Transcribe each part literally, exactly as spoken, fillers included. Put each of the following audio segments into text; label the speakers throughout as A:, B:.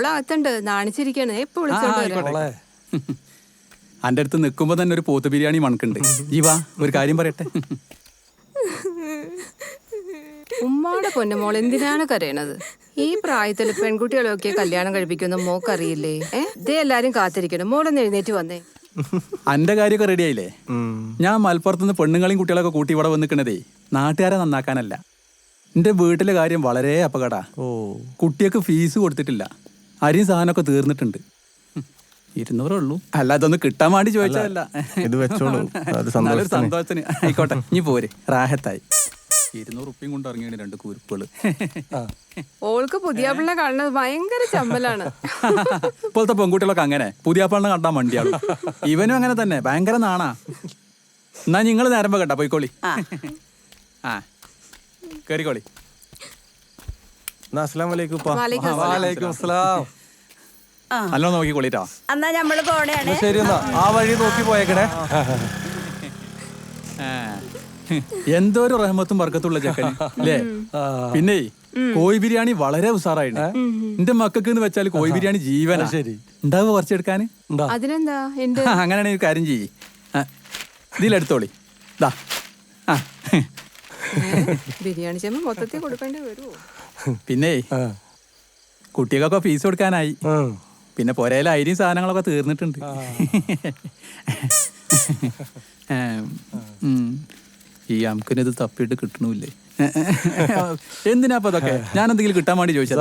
A: അവളകത്തുണ്ട് നാണിച്ചിരിക്കാണ്. എപ്പോ വിളിച്ചോണ്ട്
B: അന്റെ അടുത്ത് നിൽക്കുമ്പോ തന്നെ ഒരു പോത്ത് ബിരിയാണി മണക്കുണ്ട്. ജീവാ ഒരു കാര്യം പറയട്ടെ.
A: ഉമ്മാടെ പൊന്നുമോൾ എന്തിനാണ് കരയണത്? ഈ പ്രായത്തിൽ പെൺകുട്ടികളൊക്കെ കല്യാണം കഴിപ്പിക്കുന്ന മോക്കറിയില്ലേ? ഏഹ് ഇതേ എല്ലാരും കാത്തിരിക്കണം. മോളൊന്ന് എഴുന്നേറ്റ് വന്നേ.
B: അന്റെ കാര്യമൊക്കെ റെഡി ആയില്ലേ? ഞാൻ മലപ്പുറത്തുനിന്ന് പെണ്ണുങ്ങളെയും കുട്ടികളൊക്കെ കൂട്ടി ഇവിടെ വന്നിക്കണതേ നാട്ടുകാരെ നന്നാക്കാനല്ല. എന്റെ വീട്ടിലെ കാര്യം വളരെ അപകടാ. കുട്ടിയൊക്കെ ഫീസ് കൊടുത്തിട്ടില്ല, അരിയും സാധനമൊക്കെ തീർന്നിട്ടുണ്ട്. ഇരുന്നൂറേ ഉള്ളൂ. അല്ല അതൊന്ന് കിട്ടാൻ വേണ്ടി ചോദിച്ചതല്ല. നല്ലൊരു സന്തോഷത്തിന്. ആയിക്കോട്ടെ ഇനി പോരെ, റാഹത്തായി. ഇരുന്നൂറ് ഉപ്പിയും കൊണ്ട് ഇറങ്ങിയാണ് രണ്ട് കുരുപ്പുകള്.
A: ഓൾക്ക് പുതിയ പിള്ള കാണുന്നത് ഭയങ്കര ചമ്പലാണ്.
B: ഇപ്പോഴത്തെ പെൺകുട്ടികളൊക്കെ അങ്ങനെ പുതിയ പിള്ള കണ്ടാൻ വണ്ടിയാണ്. ഇവനും അങ്ങനെ തന്നെ, ഭയങ്കര നാണാ. എന്നാ നിങ്ങള് നേരം കേട്ടാ പോയിക്കോളി. ആ കേറിക്കോളി. നല്ലോ നോക്കിക്കോളിട്ടോ.
C: എന്നാ നമ്മള് പോണേണ്.
D: ശരി എന്നാ ആ വഴി നോക്കി പോയേക്കണേ.
B: എന്തോ ഒരു റഹ്മത്തും ബർക്കത്തുള്ള ചെക്കൻ അല്ലേ? പിന്നെ കോഴി ബിരിയാണി വളരെ ഉസാറായിട്ട്. എന്റെ മക്കൾക്ക് എന്ന് വെച്ചാൽ കോഴി ബിരിയാണി ജീവനാ. ശരി ഉണ്ടാവുക കുറച്ചെടുക്കാന്.
A: അതിനെന്താ?
B: അങ്ങനെയാണെങ്കിൽ ഒരു കാര്യം ചെയ്യ്, ഇതിലെടുത്തോളി. ദാ
A: ബിരിയാണി ചെമ്പ് മൊത്തത്തിൽ കൊടുക്കേണ്ടി വരുമോ?
B: പിന്നെ കുട്ടികൾക്കൊക്കെ ഫീസ് കൊടുക്കാനായി. പിന്നെ പൊരയിലെ അരിയും സാധനങ്ങളൊക്കെ തീർന്നിട്ടുണ്ട്. ഈ അമ്മിനിത് തപ്പിയിട്ട് കിട്ടണില്ലേ? എന്തിനാപ്പ അതൊക്കെ? ഞാൻ എന്തെങ്കിലും കിട്ടാൻ വേണ്ടി ചോദിച്ചതാ.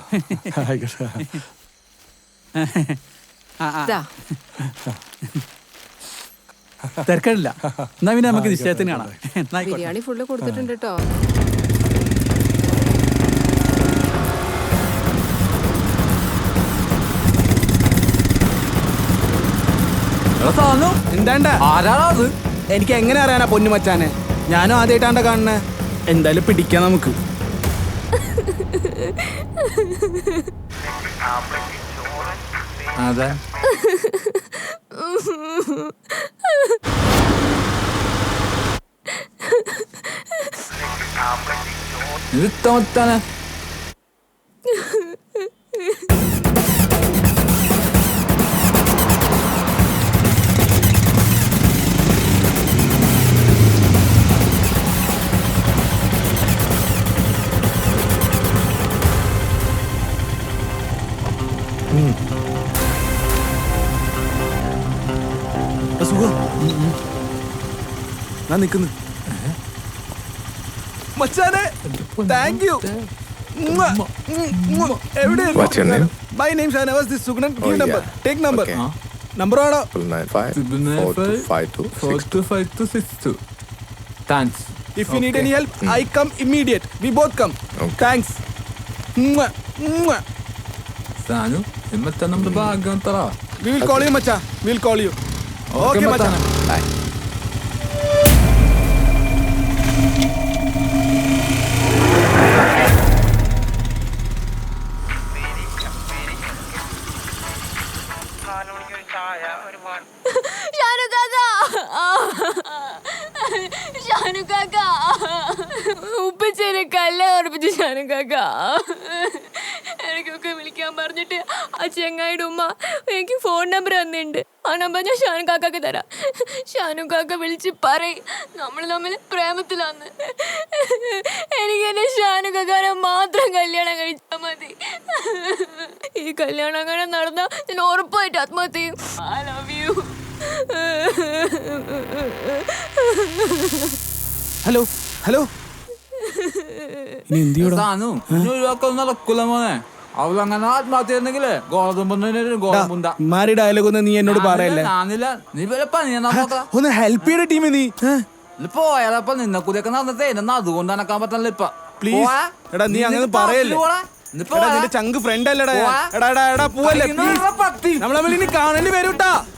B: തിരക്കില്ല. എന്നാ പിന്നെ നമുക്ക് നിശ്ചയത്തിന് കാണാം.
A: ബിരിയാണി ഫുള്ള് കൊടുത്തിട്ടുണ്ട് കേട്ടോ.
E: എന്താണ്ടാ ആരാളത്? എനിക്ക് എങ്ങനെ അറിയാനാ പൊന്നു മച്ചാനെ? ഞാനും ആദ്യമായിട്ടാണ്ട കാണുന്നേ. എന്തായാലും പിടിക്കാം നമുക്ക്.
B: അതെ
F: ഇത്തമത്താനെ
E: ഞാൻ നിക്കുന്നു മച്ചാനെ. Thank you. എവിടെ? My name Shanawaz. This Sugnan. Give number. Take number. Number ആണോ?
F: nine five four two five two six two five two six two. Thanks.
E: If you need any help, I come immediate. We both come. Thanks.
F: Sanu, immetta namdu bhagam tara.
E: We will call you, macha. We will call you. Okay, macha. Bye.
G: ഉപ്പച്ചേനെ കല്ല ഉറപ്പിച്ചു ഷാനു കാക്ക. എനിക്കൊക്കെ വിളിക്കാൻ പറഞ്ഞിട്ട് ആ ചെങ്ങായിയുടെ ഉമ്മ എനിക്ക് ഫോൺ നമ്പർ തന്നിട്ടുണ്ട്. ആ നമ്പർ ഞാൻ ഷാനു കാക്കാക്ക് തരാം. ഷാനു കാക്ക വിളിച്ച് പറയും നമ്മൾ തമ്മിൽ പ്രേമത്തിലാന്ന്. എനിക്ക് എന്നെ ഷാനു കാക്കാനെ മാത്രം കല്യാണം കഴിച്ചാൽ മതി. ഈ കല്യാണം അങ്ങനെ നടന്നാൽ ഞാൻ ഉറപ്പായിട്ട് ആത്മഹത്യ ചെയ്യും. I love you.
E: Hello hello
F: നടക്കൂല മോനെ. അവളങ്ങനെ ആത്മഹത്യ ചെയ്യുന്നെങ്കിലേ ഗോതമ്പ്
E: മാരി ഡയലോഗ് ഒന്നും നീ എന്നോട് പറയല്ലേ.
F: നീ
E: ഒന്ന് ഹെൽപ്പ് ചെയ്യണ ടീമേ. നീ
F: പോയാലപ്പ നിന്നെ കൂടിയൊക്കെ നടന്നിട്ടേ എന്നെ അതുകൊണ്ട് നടക്കാൻ പറ്റില്ല. ഇപ്പൊ
E: പ്ലീസ് എടാ നീ അങ്ങനെ പറയല്ലേ. നിന്റെ ചങ്ക് ഫ്രണ്ട് അല്ലടാ. എടാ എടാ എടാ പോവല്ലേ. നമ്മൾ തമ്മിൽ ഇനി കാണേണ്ടി വരും ട്ടാ.